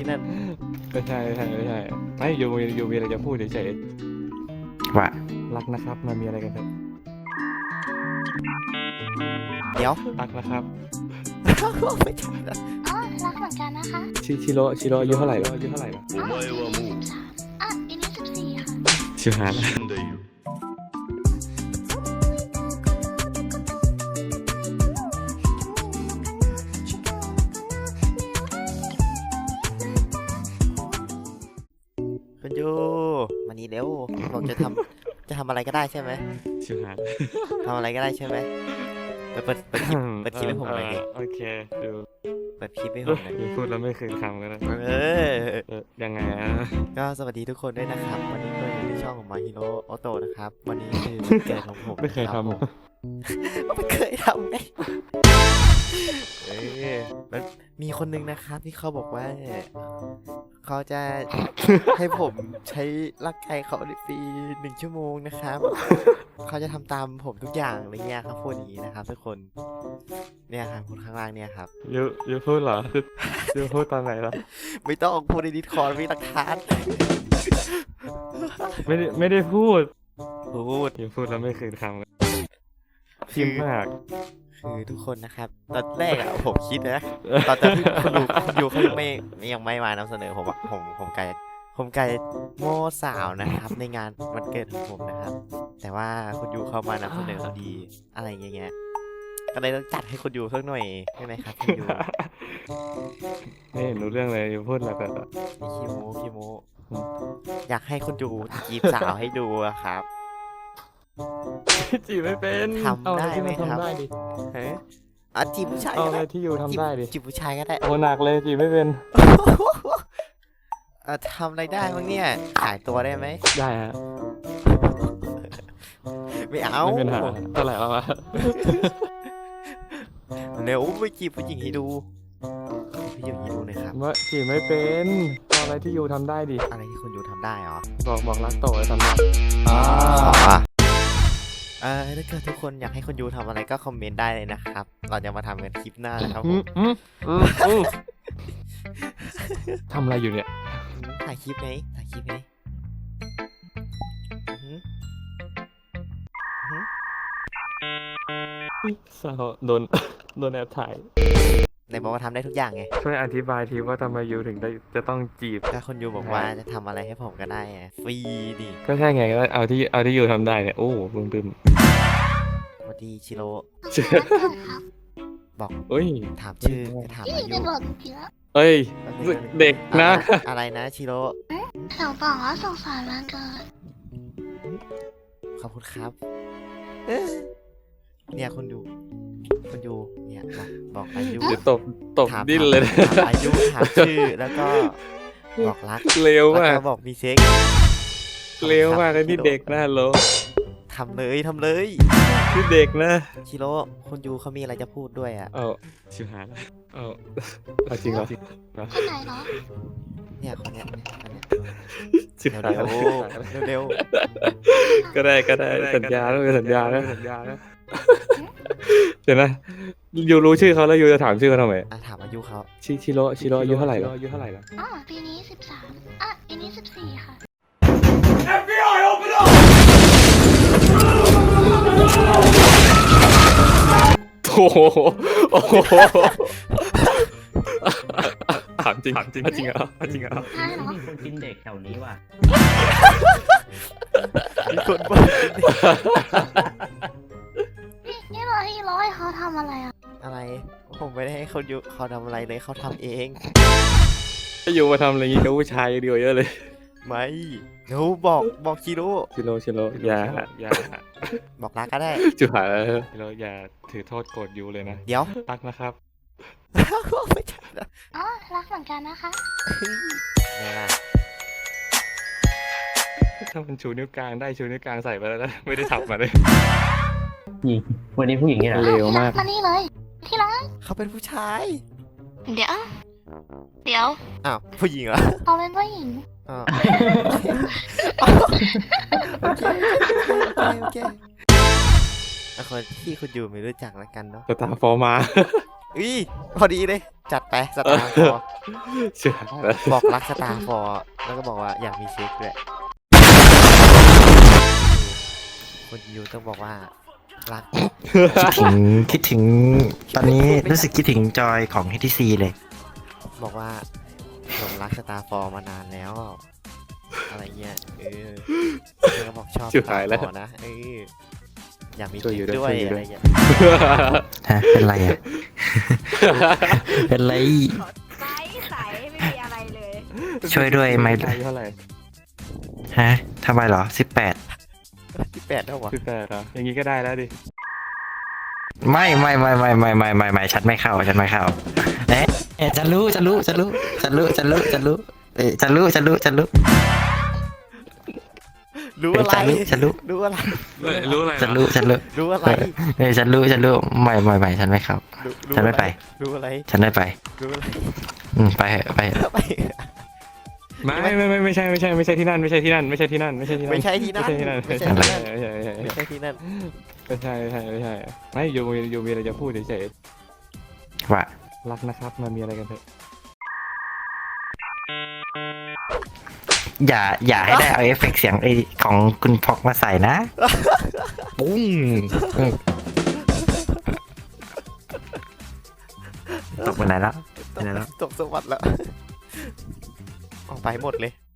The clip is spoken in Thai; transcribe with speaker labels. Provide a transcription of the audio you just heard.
Speaker 1: นั่น
Speaker 2: ไม่ใช่ไม่อยู่มีอะไรจะพูดเฉยๆว่ารักนะครับมามีอะไรกันครับ
Speaker 1: เดี๋ยว
Speaker 2: รักนะครับ
Speaker 1: ไม่ใช่นะ
Speaker 3: อ๋อรักเหมือนกันนะคะ
Speaker 2: ชิโร่อายุเท่าไหร่แล้ว
Speaker 3: อ๋อ13อันนี้14ค่ะ
Speaker 2: ชิวหา
Speaker 1: คุณยูมานี่เร็วผมจะทำอะไรก็ได้ใช่ไหม
Speaker 2: ชิวหา
Speaker 1: ทำอะไรก็ได้ใช่ไหมเปิดคลิปให้ผมหน่อยดิ
Speaker 2: โอเคดู
Speaker 1: เปิดคลิปให้ผมหน่อย
Speaker 2: พูดแล้วไม่คืนคำกันนะยังไง
Speaker 1: ก็สวัสดีทุกคนด้วยนะครับวันนี้ก็อยู่ในช่องของ My Hero Auto นะครับวันนี้คือวันเกิดของผม
Speaker 2: ไม่เคยทำ
Speaker 1: ไม่เคยทำไงมันมีคนนึงนะครับที่เขาบอกว่าเขาจะให้ผมใช้ร่างกายเขาในฟรี1 ชั่วโมงนะครับเขาจะทำตามผมทุกอย่างอะไรเงี้ยครับพูดอย่างนี้นะครับทุกคนเนี่ยครับคนข้างล่างเนี่ยครับ
Speaker 2: ยูพูดเหรอยูพูดตอนไหนล่ะ
Speaker 1: ไม่ต้องพูดในดิสคอร์ดมีหลักฐาน
Speaker 2: ไม่ได้พูด
Speaker 1: ยู
Speaker 2: พูดแล้วไม่คืนคำกันพิมพ์มาก
Speaker 1: คือทุกคนนะครับตอนแรกอะผมคิดนะตอนที่คุณดูเขายังไม่มานำเสนอผมไกลโม่สาวนะครับในงานวันเกิดของผมนะครับแต่ว่าคุณยูเขามานำเสนอดีอะไรเงี้ยก็เลยต้องจัดให้คุณยูสักหน่อยใช่ไหมครับคุณยู
Speaker 2: ไม่เห็นรู้เรื่องเลยยูพูดอะไรแบบ
Speaker 1: นี่ขี้โมอยากให้คุณยูจีบสาวให้ดูครับ
Speaker 2: จีบไม่เป็น
Speaker 1: ทำได้ไหมครับจีบผู้ชาย
Speaker 2: เอาอะไรที่ยูทำได้ดิ
Speaker 1: จีบผู้ชายก็ได้
Speaker 2: โอ้หนักเลยจีบไม่เป็น
Speaker 1: ทำอะไรได้บ้างเนี่ยขายตัวได้ไหม
Speaker 2: ได้ฮะ
Speaker 1: ไม่เอา
Speaker 2: ไม่เป็นหาเท่าไหร่แล้ววะ
Speaker 1: เร็วไปจีบผู้หญิงให้ดูผู้หญิงให้ดูหน่อยครับ
Speaker 2: ว่าจีบไม่เป็นเอาอะไรที่ยูทำได้ดิ
Speaker 1: อะไรที่คุณยูทำได้หรอ
Speaker 2: บอกรักโตไอ้ทำได้
Speaker 1: ถ้าเกิดทุกคนอยากให้คุณยูทำอะไรก็คอมเมนต์ได้เลยนะครับเราจะมาทำกันคลิปหน้านะครับผม
Speaker 2: ทำอะไรอยู่เนี่ย
Speaker 1: ถ่ายคลิปไหม
Speaker 2: สาวโดนแอบถ่าย
Speaker 1: ไหนบอกว่าทำได้ทุกอย่างไง
Speaker 2: ช่วยอธิบายทีว่าทำไมยูถึงได้จะต้องจีบ
Speaker 1: ถ้าคุณยูบอกว่าจะทำอะไรให้ผมก็ได้ฟรีดิ
Speaker 2: ก็ใช่ไงก็เอาที่ยูทำได้เนี่ยโอ้บึ้ม
Speaker 1: สวัสดีชิโร่บอกถามชื่อถามอายุ
Speaker 2: เอ้ยเด็กนะ
Speaker 1: อะไรนะชิโร่
Speaker 3: เขาบอกว่าสงสารวันเกิด
Speaker 1: ขอบคุณครับเนี่ยคุณยูเนี่ยบอกอายุ
Speaker 2: เดี๋ยวตบดิ้นเลย
Speaker 1: ถามอายุถามชื่อแล้วก็บอกรัก
Speaker 2: เร็วมาก
Speaker 1: แล้วก็บอกมีเซ็ก
Speaker 2: เร็วมากเลยนี่เด็กนะโล
Speaker 1: ทำเลย
Speaker 2: นี่เด็กนะ
Speaker 1: ชิโร่คุณยูเขามีอะไรจะพูดด้วย
Speaker 2: ชิวหาจริงเหรอ
Speaker 3: คนไหนเหรอ
Speaker 1: เนี่ยคนเนี้ยเร็ว
Speaker 2: ก็ได้สัญญาแล้วสัญญานะเดี๋ยวนะยูรู้ชื่อเขาแล้วยูจะถามชื่อเขาทำไม
Speaker 1: ถามอายุเขา
Speaker 2: ชิโร่อายุเท่าไหร่แล้ว
Speaker 3: อ๋อปีนี้13ปีนี้14ค่ะ
Speaker 4: FBI open up
Speaker 2: โอ้โหถามจริงเหรอ
Speaker 3: ใช่เหรอ
Speaker 5: มีคนกินเด็กแถวนี้ว่ะ
Speaker 1: มีคนบ้า
Speaker 3: นี่เราให้ร้อยเขาทำอะไร
Speaker 1: อะไรผมไม่ได้ให้เขาทำอะไรเลยเขาทำเอง
Speaker 2: ถ้าอยู่มาทำอะไรงี้กับผู้ชายเดียวเยอะเลย
Speaker 1: ไม่เดี๋ยวบอกชิโร่
Speaker 2: อย่า
Speaker 1: บอกรักก็ได้
Speaker 2: จุหาชิโร่อย่าถือโทษโกรธยูเลยนะ
Speaker 1: เดี๋ยว
Speaker 2: รักนะครับ
Speaker 1: ไม่ใช่
Speaker 3: อ๋อรักเหมือนกันนะคะ
Speaker 2: ถ้ามันชูนิ้วกลางได้ชูนิ้วกลางใส่ไปแล้วนะไม่ได้ทับมาเลย
Speaker 5: หญิงวันนี้ผู้หญิงเนี่ย
Speaker 2: เร็วมาก
Speaker 3: มานี่เลยที่รัก
Speaker 1: เขาเป็นผู้ชาย
Speaker 3: เดี๋ยว
Speaker 1: ผู้หญิงเหรอ
Speaker 3: เขาเป็นผู้หญิง
Speaker 1: โอเคคนที่คุณยูไม่รู้จักแล้วกันเนาะ
Speaker 2: ตาฟอร์มา
Speaker 1: อุ้ยพอดีเลย จัดไปสตาร์ฟอร์
Speaker 2: เชื่อแล้ว
Speaker 1: บอกรักสตาร์ฟอร์แล้วก็บอกว่าอยากมีเซ็กด้วยคนยูต้องบอกว่ารัก
Speaker 6: คิดถึงตอนนี้รู้สึกคิดถึงจอยของ HTC เลย
Speaker 1: บอกว่าผมรักสตาร์ฟอร์มานานแล้ว อะไรเงี้ยแล้วก็บอกชอบสตาร์ฟอร์นะอยากมีเซ็กด้วยอะไรเงี้ย
Speaker 6: ฮะ เป็นไรอ่ะ เป็นไร
Speaker 7: ใสไม่มีอะไรเลย
Speaker 6: ช่วยด้วยไหม
Speaker 2: อายุเท่าไหร่
Speaker 6: ฮะทำไมเหรอ 18
Speaker 1: ที่8แล้ววะ
Speaker 2: 18เหรออย่างงี้ก็ได้แล้วดิ
Speaker 6: ไม่ฉันไม่เข้าเอ๊ะฉันรู้เอ๊ะฉันรู้
Speaker 1: รู้อะไร
Speaker 6: ฉันรู้
Speaker 1: รู้อะไร
Speaker 2: รู้อะไร
Speaker 6: ฉันรู้
Speaker 1: รู้อะไร
Speaker 6: เอ้ยฉันรู้ไม่ฉันไม่เข้า
Speaker 1: รู้
Speaker 6: ฉันไม่ไป
Speaker 1: รู้อะไร
Speaker 6: ฉันไม่ไป
Speaker 1: รู้อะไร
Speaker 6: ไปเถอะ
Speaker 1: ไป
Speaker 2: ไม่ใช่ที่นั่นไม่ใช่ที่นั่น
Speaker 1: ไม่ใช่ที่นั่น
Speaker 2: ไม่ใช่ที่นั่น
Speaker 1: ไม่ใช่ที่นั่น
Speaker 2: ไม่ใช่ที่นั่น
Speaker 1: ไม่ใช่
Speaker 2: ไม่ยูมีอะไรจะพูดเฉย
Speaker 6: ว่า
Speaker 2: ๆรักนะครับมามีอะไรกันเถอะ
Speaker 6: อย่าให้ได้เอาเอฟเฟกต์เสียงไอของคุณพอกมาใส่นะ ปุ้งตกไปไหนแล้ว
Speaker 1: ตกสวัสดิ์แล้วออกไปหมดเลย